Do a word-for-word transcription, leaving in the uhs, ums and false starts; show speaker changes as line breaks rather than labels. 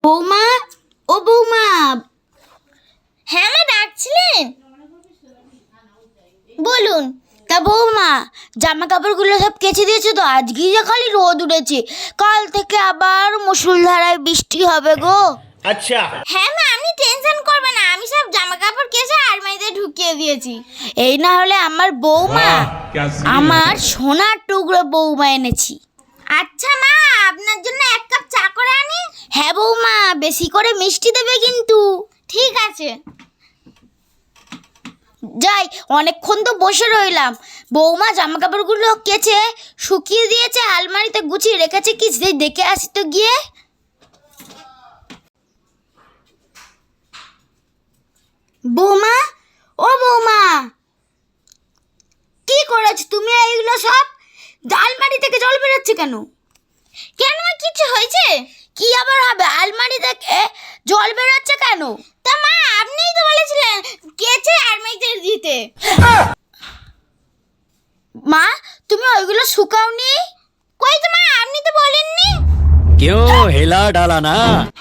বৌমা, ও বৌমা।
হ্যাঁ মা, ডাকছিলেন? বলুন।
তা বৌমা, জামা কাপড়গুলো সব কেচে দিয়েছো তো? আজকেই যে খালি রোদ উঠেছে, কাল থেকে আবার মুষলধারায় বৃষ্টি হবে গো।
আচ্ছা।
হ্যাঁ মা, আপনি টেনশন করবেন না, আমি সব জামা কাপড় কেচে আলমারিতে ঢুকিয়ে দিয়েছি।
এই না হলে আমার বৌমা, আমার সোনার টুকরো বৌমা এনেছি।
আচ্ছা মা, আপনার জন্য এক কাপ চা করে আনি?
হ্যাঁ বৌমা, বেশি করে মিষ্টি দেবে কিন্তু।
ঠিক আছে।
যাই, অনেকক্ষণ তো বসে রইলাম। বৌমা জামা কাপড়গুলো কেচে শুকিয়ে দিয়েছে, আলমারিতে গুছিয়ে রেখেছে, কি সেই দেখে আসি তো গিয়ে। বৌমা, ও বৌমা, কি করেছো তুমি এইগুলো সব? আলমারি থেকে জল বেরোচ্ছে কেন?
কেন মা, কিছু হয়েছে?
কি আবার হবে, আলমারি থেকে জল বেরোচ্ছে কেন?
তা মা, আপনিই তো বলেছিলেন কেচে আলমারিতে দিতে।
মা, তুমি ওইগুলো শুকাওনি?
কই তো মা, আপনি তো বলেননি।
क्यों हिला डाला ना।